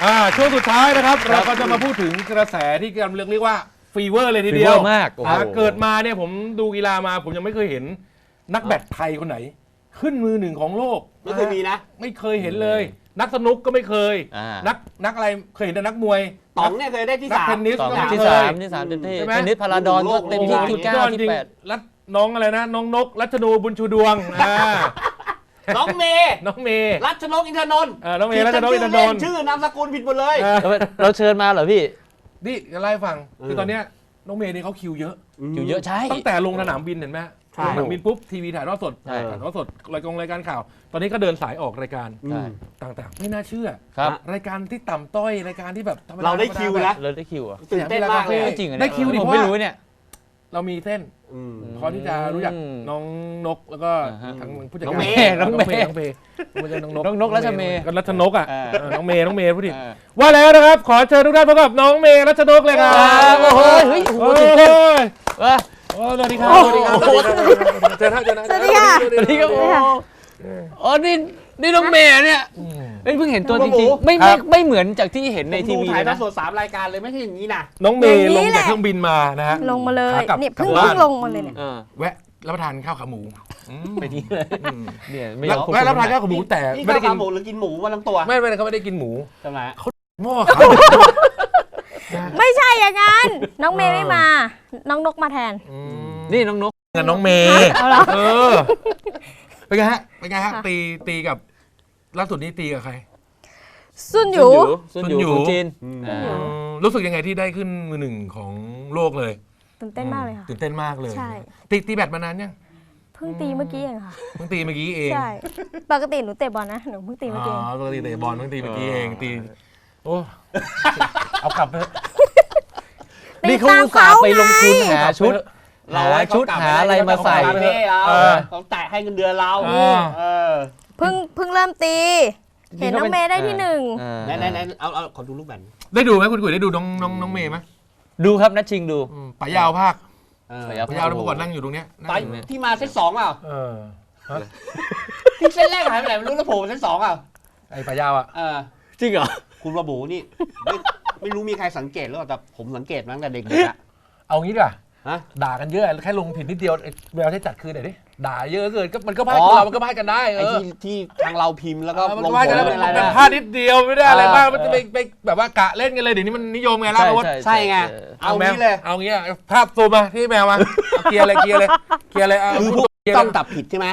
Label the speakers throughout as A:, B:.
A: ช่วงสุดท้ายนะครับเราก็จะมาพูดถึงกระแสที่กำลังเรียกว่าฟีเวอร์เลยทีเดียว
B: มาก
A: เกิดมาเนี่ยผมดูกีฬามาผมยังไม่เคยเห็นนักแบดไทยคนไหนขึ้นมือหนึ่งของโลก
C: ไม่เคยมีนะ
A: ไม่เคยเห็นเลยนักสนุกก็ไม่เคยนักอะไรเคยเห็นแต่นักมวย
C: ต๋องเนี่ยเคยได้ที่
A: 3เทนนิส
B: ที่3เต็มที่เทนนิสพาราดอนก็เต็มที่ที่9ที่8
A: รัตน้องอะไรนะน้องนกรัชนูบุญชูดวง
C: น้องเมย์รัชนกอินทนนท์
A: น้องเมย์รัชนกอินทนนท์
C: ชื่อนามสกุลผิดหมดเลย
B: เราเชิญมาเหรอพี่
A: นี่จะไล่ฟังคือตอนเนี้ยน้องเมย์นี่เขาคิวเยอะ
B: ใช่
A: ตั้งแต่ลงสนามบินเห็นไหมลงสนามบินปุ๊บทีวีถ่ายทอดสดรายการข่าวตอนนี้ก็เดินสายออกรายการต่างๆไม่น่าเชื่อรายการที่ต่ำต้อยรายการที่แบบ
C: เราได้คิวนะ
B: เราได้คิวอ่ะ
C: ตื่นเต้นมากเลย
B: จริง
A: ได้คิวดิ
B: ผมไม่รู้เนี่ย
A: เรามีเส้นพอที่จะรู้จักน้องนกแล้วก็ทั้งผู้จัดการ
B: น้องเมย์น้องนกรัชเมย์
A: ก็รัชนกอ่ะน้องเมย์พูดดิว่าแล้วนะครับขอเชิญทุกท่านพบกับน้องเมย์รัชนกเลยครับ
B: โอ้โหเฮ้ยตื่นเต้น
A: สวัสดีครับสวัสดีครับเจอท่าน
B: สวัสดีค่ะสวัสดีครับอ๋อนี่น้องเมย์เนี่ยเพิ่งเห็นตัวจริงๆไม่เหมือนจากที่เห็นในทีวี
C: ถ่ายทอดสด3รายการเลยไม่ใช่อย่างนี้นะ
A: น้องเมย์ลงจากเครื่องบินมานะฮะ
D: ลงมาเลยเนี่ยเพิ่งลงมาเลยเนี่ย
A: แวะรับประทานข้าวขาหมู
B: ไปที่เลยเนี่ย
A: แวะรับประทานข้าวขาหมูแต่
C: ไม่ได้กินหมูหรือกินหมูวันทั้งตัว
A: ไม่เขาไม่ได้กินหมู
C: ทำไม
A: เขาหม้อขา
D: ไม่ใช่อย่างนั้นน้องเมย์ไม่มาน้องนกมาแทน
B: นี่น้องนก
A: กับน้องเมย์เป็นไงฮะตีกับล่าสุดนี้ตีกับใคร
D: ซุนหยู
B: จีน
A: รู้สึกยังไงที่ได้ขึ้นมือหนึ่งของโลกเลย
D: ตื่นเต้นมากเลยค่ะ
A: ตื่นเต้นมากเลย
D: ใช่
A: ตีแบดมานานยัง
D: เพิ่งตีเมื่อกี้เองค่ะ
A: เพิ่งตีเมื่อกี้เอง
D: ใช่ปกติหนูเตะบอลนะหนูเพิ่งตีเมื่อกี้
A: ปกติเตะบอลเพิ่งตีเมื่อกี้เองตีโอ้เอากลับไป
B: นี่เขาอุตส่าห์ไปลงทุนหาชุดหาอะไรมาใส่
C: เขาแตะให้เงินเดือนเรา
D: เพิ่งเริ่มตีเห็นน้องเมย์ได้ที่1
C: ไหนเอาขอดูรูปแบบ
A: ได้ดูไหมคุณกุ๋ยได้ดูน้องเมย์ไหม
B: ดูครับนัดชิงดู
A: ป๋ายาวภาคป๋ายาวแล้วเมื่อก่อนนั่งอยู่ตรงเนี้ย
C: ที่มาเซต2เปล่าที่เซตแรกหายไปไหนไม่รู้แล้วโผล่เซต2เปล่า
A: ไอ้ป๋ายาวอ่ะ
B: จริงเหรอ
C: คุณระบุนี่ไม่รู้มีใครสังเกตหรือเปล่าแต่ผมสังเกตมาตั้งแต่เด็กๆอะ
A: เอางี้ดีกว่าด่ากันเยอะแค่ลงผิดนิดเดียวแมวใช้จัดคืนหน่อยดิด่าเยอะเกินก็มันก็พลาดเรามันก็พลาดกันได้
C: ไอ้ที่ทางเราพิมพ์แล้วก็ลงโพส
A: อะไรนะพลาดนิดเดียวไม่ได้อะไรบ้างมันจะไปแบบว่ากะเล่นกันเลยเดี๋ยวนี้มันนิยมไงล่ะ
C: ใช่ไงเอางี้เลย
A: เอางี้ภาพซูมมาที่แมวมาเคลียร์เลย
C: คือพวกต้องตับผิดใช่ไหม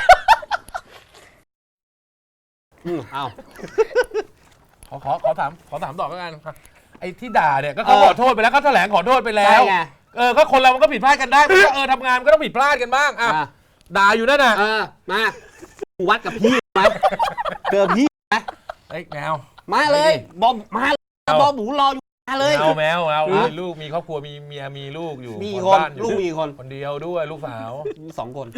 C: เอา
A: ขอถามต่อแล้วกันไอ้ที่ด่าเนี่ยก็เขาขอโทษไปแล้วก็แถลงขอโทษไปแล้วก็คนเรามันก็ผิดพลาดกันได้ก็ทำงานมันก็ต้องผิดพลาดกันบ้างด่าอยู่นั่นน่ะ
C: มาวัดกับพี่ไหมเจอพี่ไหม
A: ไอ้แมว
C: มาเลยบอมมาบอมหมูรออยู่มาเลย
A: แมวลูกมีครอบครัวมีเมียมีลูกอยู่
C: มีคนลูกมีคน
A: เดียวด้วยลูกสาว
C: 2 คน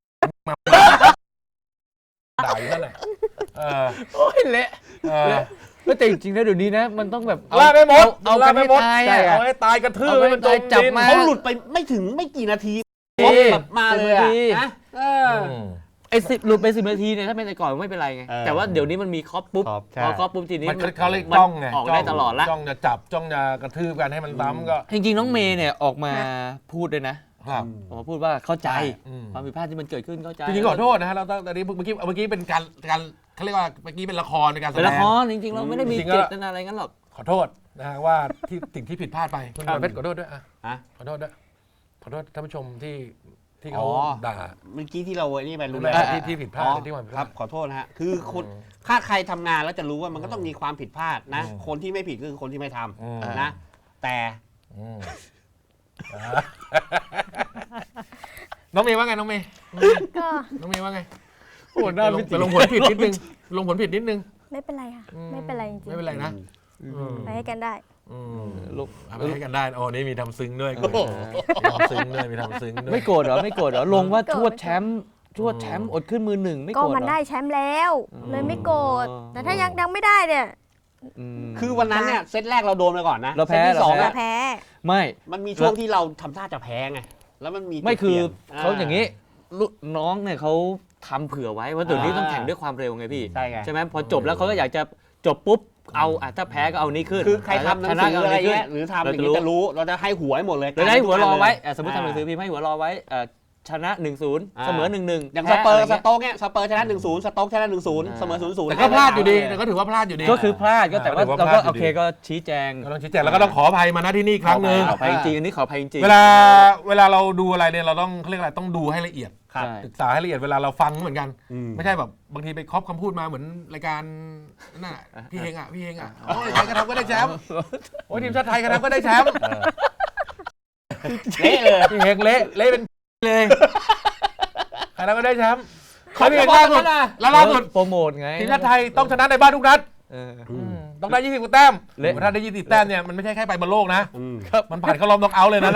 A: ด่าอยู่นั่นแหละ
B: โอ้ยเละแต่จริงๆนะเดี๋ยวนี้นะมันต้องแบบ
A: ล่าไม่หมด
B: เอาไปตาย
A: เอาให้ตายกระทืบมันจม
B: จับมา
C: เขาหลุดไปไม่ถึงไม่กี่นาทีแบบมาเลยนะ
B: ไอ้10หลุดไป10 นาทีเนี่ยถ้าเป็นแต่ก่อนไม่เป็นไรไงแต่ว่าเดี๋ยวนี้มันมีคอปปุ๊บพอคอปปุ๊บทีนี้
A: เขาเลยจ้องไง
B: ออกได้ตลอดละ
A: จ้องจะจับจ้องจะกระทืบกันให้มันซ้ำก็
B: จริงๆน้องเมย์เนี่ยออกมาพูดด้วยนะออกมาพูดว่าเข้าใจความผิดพลาดที่มันเกิดขึ้นเข้าใจ
A: จริงๆขอโทษนะฮะเราตอนนี้เมื่อกี้เป็นการเขาเรียกว่าเมื่อกี้เป็นละครในการแสดง
B: เป็นละครจริงๆเราไม่ได้มีเจตนาอะไรงั้นหรอก
A: ขอโทษนะฮะว่าสิ่งที่ผิดพลาดไปคุณเพชรขอโทษด้วยขอโทษด้วยขอโทษท่านผู้ชมที่เขาด่า
C: เมื่อกี้ที่เรานี่ไปรู้
A: แล้วที่ผิดพลาดที่มัน
C: ครับขอโทษนะฮะคือคนถ้าใครทำงานแล้วจะรู้ว่ามันก็ต้องมีความผิดพลาดนะคนที่ไม่ผิดก็คือคนที่ไม่ทำนะแต่
A: น้องเมย์ว่าไงน้องเมย์ว่าไงโอ้ได้ลงผลผิดนิดนึง
D: ไม่เป็นไรค่ะไม่เป็นไรจริง
A: ไม่เป็นไรนะ
D: ไปให้กันได้
A: ลูกไปให้กันได้อ๋อนี่มีทำซึ้งด้วยมีทำซึ้งด้วย
B: ไม่โกรธเหรอลงว่าชวดแชมป์อดขึ้นมือ1ไม่โกรธ
D: ก็มันได้แชมป์แล้วเลยไม่โกรธแต่ถ้ายังไม่ได้เนี่ย
C: คือวันนั้นเนี่ยเซตแรกเราโดนไปก่อนนะ
B: เราแพ้
C: ที่2
D: แพ้
B: ไม่
C: มันมีช่วงที่เราทำท่าจะแพ้ไงแล้วมันมี
B: ไม่คือเขาอย่างนี้น้องเนี่ยเขาทำเผื่อไว้ว่าเดี๋ยวนี้ต้องแข่งด้วยความเร็วไงพี่ใช่ไหมพอจบแล้วเขาก็อยากจะจบปุ๊บเอาถ้าแพ้ก็เอานี้ขึ้น
C: คือใครทำหนังสืออะไรเงี้ยหรือทำอย่างนี้จะรู้เราจะให้หัวให้หมดเลย
B: เราได้หัวรอไว้สมมติ
C: อ่า
B: ทำหนังสือพิมพ์ให้หัวรอไว้ชนะ 1-0 เสมอ 1-1
C: อย่างสเปอร์สโต๊กเนี่ยสเปอร์ชนะ 1-0 สโต๊กชนะ 1-0 เสมอ 0-0
A: แต่ก็พลาดอยู่ดีแต่ก็ถือว่าพลาดอยู่ดี
B: ก็คือพลาดก็แต่ว่า
A: ถือว่า
B: เรา
A: พลา
B: ก็
A: ดอยู่
B: โอเค
A: ดี
B: ก็ชี้แจง
A: ก็ต้องชี้แจงแล้วก็ต้องขออภัยมาณที่นี่อีกครั้งหนึ่ง
B: ขออภัยจริงๆอันนี้ขออภัยจริง
A: เวลาเราดูอะไรเนี่ยเราต้องเขาเรียกอะไรต้องดูให้ละเอียด
C: ครับ
B: ใช่
A: ศึกษาให้ละเอียดเวลาเราฟังเหมือนกัน
C: อืม
A: ไม่ใช่แบบบางทีไปครอบคำพูดมาเหมือนรายการนั่นน่ะพี่เฮงอ่ะโอ้ยใครก็ทำก็ได้แชมป์โอ้ยทีมชาติไทยก็ทำก็ได้แชมป์
C: เละเลย
A: พี่เฮงเละเป็นเลยใครทำก็ได้แชมป์เขาพี่เฮงล่าสุดแล้วล่าสุด
B: โปรโมทไง
A: ทีมชาติไทยต้องชนะในบ้านทุกนัด
B: เออ
A: ต้องได้20กว่าแต้ม
B: เละ
A: ถ้าได้20แต้มเนี่ยมันไม่ใช่แค่ไปบอลโลกนะ
C: อืม
A: มันผ่านเข้ารอบน็อกเอาท์เลยนะ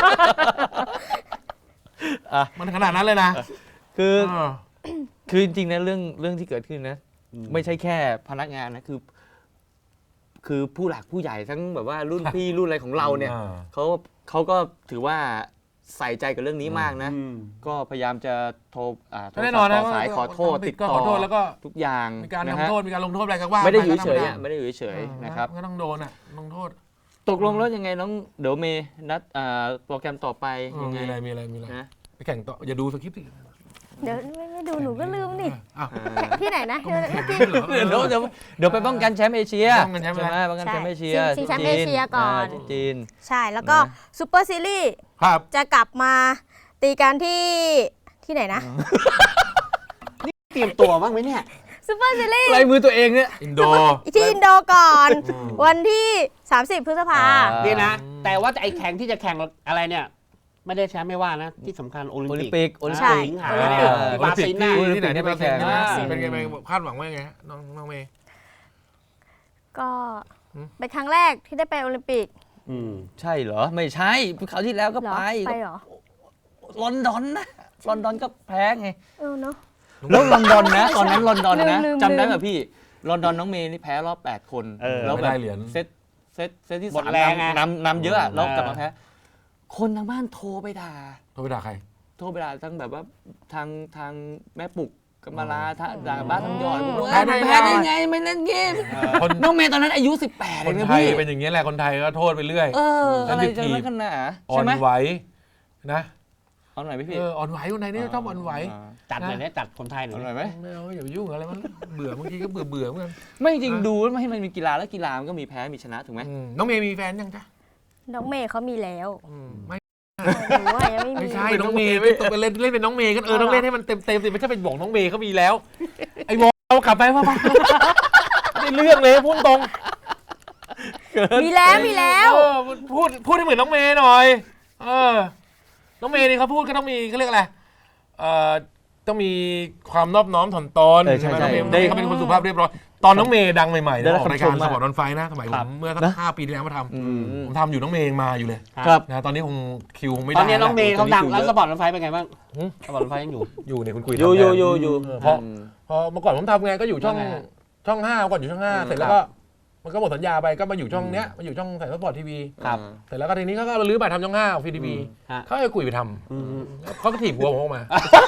B: อ่ะ
A: มันขนาดนั้นเลยนะ
B: คือ
A: เออ
B: คือจริงๆนะเรื่องที่เกิดขึ้นนะ ไม่ใช่แค่พนักงานนะคือผู้หลักผู้ใหญ่ทั้งแบบว่ารุ่นพี่รุ่นอะไรของเราเนี่ยเขาก็ถือว่าใส่ใจกับเรื่องนี้มากนะ
C: อืม
B: ก็พยายามจะโทรโทร
A: แน่นอนนะ
B: ต่อสายขอโทษติด
A: ก็
B: ต่อ
A: ขอโทษแล้วก็
B: ทุกอย่าง
A: มีการ
B: นะ
A: ทำ
B: ฮะ
A: โทษมีการลงโทษอะไรกันว่า
B: ไม่ได้อยู่
A: ป
B: เฉยๆ
A: ก็
B: อ่ะไม่ได้อยู่เฉยๆนะครับ
A: ก็ต้องโดนอ่ะลงโทษ
B: ตกลงแล้วยังไงน้องเดี๋ยวเมย์นัดโปรแกรมต่อไปยังไง
A: มีอะไร
B: นะ
A: ไปแข่งต่ออย่าดูสคริปต์สิ
D: เดี๋ยวไม่ดูหนูก็ลืมนี่
A: อ้าว
D: ที่ไหนนะ
A: ก็มันแข่ง
D: ที่
A: ไม่เหรอ
B: เดี๋ยวไปป้องกันแชมป์เอเชีย
A: ป้องกันแชมป์
B: ใช่ไหม
A: อะไร
B: ป้องกันแชมป์เอเชีย
D: ชิงแชมป์เอเชียก่อน
B: ที่จีน
D: ใช่แล้วก็
B: นะ
D: ซูเปอร์ซีรีส์
A: ครับ
D: จะกลับมาตีกันที่ไหนนะ
C: เตรียมตัวบ้างไหมเนี่ย
D: ซูเปอร์ซีรีส์
B: ลายมือตัวเองเนี่ย
A: อินโด
D: ที่อินโดก่อน วันที่ 30 พฤษภา
C: นี่นะ แต่ว่าไอ้แข่งที่จะแข่งอะไรเนี่ย ไม่ได้แชมป์ไม่ว่านะ ที่สำคัญโอลิม
B: โอลิม
C: ปิก
B: ปิกโอลิม
D: ใช่
B: ปิก
C: สิงหาเนี่ยที่บราซิลน่ะ
A: ที่ไหนที่บราซิล
B: อ่า
A: เป็นไงคาดหวังว่าไงน้องเมย์
D: ก็
A: อืม
D: เป็นครั้งแรกที่ได้ไปโอลิมปิก
C: อืม
B: ใช่เหรอ ไม่ใช่คราวที่แล้วก็
D: เหรอ
B: ไป
D: ไปเหรอ
B: ลอนดอนนะลอนดอนก็แพ้ไง
D: เนาะ
B: แล้วลอนดอนนะ ตอนนั้นลอนดอนนะ
D: ลืม
B: จำได้ป่ะพี่ลอนดอนน้องเมย์นี่แพ้รอบ 8 คน
C: เออ
B: แล้ว
A: ไม่
B: แบบ
A: ได้เหรียญ
B: เซตที่
C: หมด
B: 3
C: แรงไง
B: นำเยอะอะแล้วกลับมาแพ้ คนทางบ้านโทรไปด่า
A: โทรไปด่าใคร
B: โทรไปด่าทั้งแบบว่าทางแม่ปุกกัมมาลาด่าบ้านทำยอดบอกว่า
A: แพ้ได้
B: แพ้ได้ไงไม่เล่นเกม
A: คน
B: น้องเมย์ตอนนั้นอายุ 18
A: ค
B: เอง
A: น
B: นะ
A: ไทย
B: พี่
A: เป็นอย่างนี้ยแหละคนไทยก็โทษไปเรื่อย
B: อะไรจะนักกันหนา
A: อ่อ
B: ใช่
A: น
B: ไหม
A: ไหวนะ
B: เอาหน่อยไหมพี่
A: อ่อนไหวคนไทยนี่ชอบอ่อนไหว
C: จัดหน่อยเนี่ยจัดคนไทยหน่
B: เอา
C: อย
B: หน่อยไหม
A: ไม่เอาอย่าไปยุ่งอะไรมันเบื่อบางทีก็เบื่อเหมือนกัน
B: ไม่จริงๆดูแล้วให้มันมีกีฬาแล้วกีฬามันก็มีแพ้มีชนะถูกไหม
A: น้องเมย์มีแฟนยังจ๊ะ
D: น้องเมย์เขามีแล้ว
A: ไม่
D: หนูว่ายังไม่มี
A: ไม่ใช่น้องเมย์ไปเล่นเป็นน้องเมย์กันต้องเล่นให้มันเต็มสิไม่ใช่เป็นบอกน้องเมย์เขามีแล้ว ไอ้วอลกลับไปว่าไม่เรื่องเลยพูดตรง
D: มีแล้ว
A: พูดให้เหมือนน้องเมย์หน่อยน้องเมย์นี่เขาพูดก็ต้องมีเขาเรียกอะไรต้องมีความนอบน้อมถ่อมตน
B: ใช่
A: น้องเมย์เขาเป็นคนสุภาพเรียบร้อยตอนน้องเมย์ดังใหม่ๆ
B: ได้
A: นะ
B: รับ
A: ออกรายการ
B: คำชม
A: ส
B: มาก
A: ปอร์ตออนไฟนะสมัยผมเมื่อสัก
B: นะ
A: 5 ปีที่แล้วมาท
B: อืม
A: ำผมทำอยู่น้องเมย์ยังมาอยู่เลย
B: ครับ
A: นะตอนนี้คงคิวคงไม่ได้
C: ตอนนี้น้องเมย์เขาดัง
B: ตอนนี้
C: แล้ว
B: คิวเยอะ
C: สปอร์ตรถไฟเป็นไงบ้าง
A: หืม
C: สปอร์ตรถไฟยังอยู่
A: อยู่เนี่ยคุณคุย
B: อยู่
A: พอเมื่อก่อนผมทำงานก็อยู่ช่อง5ก่อนอยู่ช่อง5เสร็จแล้วก็มันก็หมดสัญญาไปก็มาอยู่ช่องเนี้ยมาอยู่ช่องสายสปอร์ตทีวี
C: ครับ
A: เสร็จแล้วก็ทีนี้เขาก็รื้อไปทำช่อง5ของฟรีทีวี
C: ฮะ
A: เขาให้กุยไปทำเขาก็ถีบหัวผมออกมา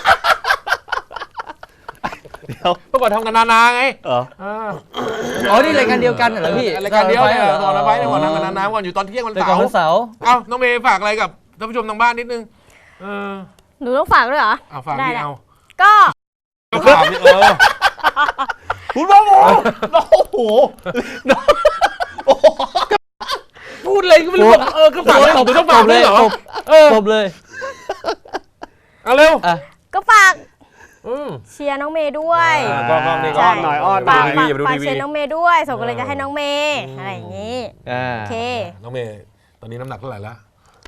A: เมื่อก่อนทำกันนาไง
B: อ๋อนี่รายการเดียวกันเหรอพี่
A: รายการเดียวเนี่ย
B: เหร
A: ตอนนั้นไปเนี่ยก่อนทำกันนาก่อนอยู่ตอนเที่ยงวัน
B: ราย
A: เสา
B: การ
A: ร์
B: วันเสาร์
A: เอ้าน้องเมย์ฝากอะไรกับท่านผู้ชมทางบ้านนิดนึง
D: หนูต้องฝากด้วยเหรอ
A: ฝาก
D: ได้
A: ดี
D: แหละ
A: เอา
D: ก็
A: ฝากดิ
C: คุณพ่อหมูโอ้โห
A: พูดอะไรก็ไม่รู้ก็ฝากเลยต้องฝากเลยเหรอ
B: จบเลย
A: เอาเร็ว
D: ก็ฝากเชียร์น้องเมย์ด้วย
A: ก็นี่
D: ใช่
A: ก็หน่อยอ้อน
D: ฝาก
A: ทีวีอย่าไปดู
D: ฝาก
A: ทีวี
D: เชียร์น้องเมย์ด้วยส่งกำลังใจให้น้องเมย์อะไรอย่างนี้โอเค
A: น้องเมย์ตอนนี้น้ำหนักเท่าไหร่ละ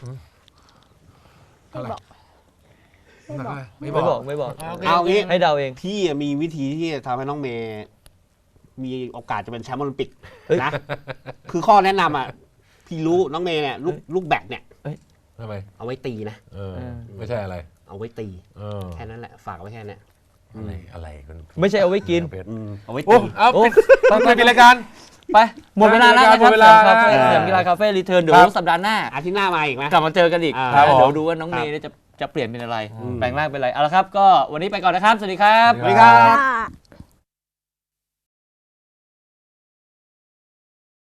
A: เท่าไหร่น้ำหนักเท่าไหร่ไม่
B: ไม่
A: บบ อ
B: อก กไม่บอก
C: เอางี้
B: ให้เดาเอง
C: พี่มีวิธีที่จะทำให้น้องเมย์มีโอกาสจะเป็นแชมป์โอลิมปิก
B: เฮ้ย
C: นะ คือข้อแนะนำอ่ะ พี่รู้น้องเมย์เนี่ยลูกแบดเนี่ย
A: ทำไม
C: เอาไว้ตีนะ
A: ไม่ใช่อะไร
C: เอาไว้ตี แค่นั้นแหละ ฝากไว้แค่เนี้ย
A: อะไรคุณ
B: ไม่ใช่เอาไว้กิน
C: เอาไว้
A: โอ้
C: ตี
A: เอา
B: โอ้
A: ไปปิดรายการ
B: ไปหมดเวลาแล้วนะค
A: หม
B: รับ
A: ดเวลา
B: สำหรับสยามกีฬาคาเฟ่รีเทิร์นเดี๋ยวสัปดาห์หน้า
C: อาทิตย์หน้ามาอีกไหม
B: กลับมาเจอกันอีก
C: ครับ
B: เดี๋ยวดูว่าน้องเมย์เนี่ยจะเปลี่ยนเป็นอะไร แปลงร่างเป็นอะไร เอาละครับ ก็วันนี้ไปก่อนนะครับ สวัสดีครับ
A: สวัสดีครับ
D: ค่ะ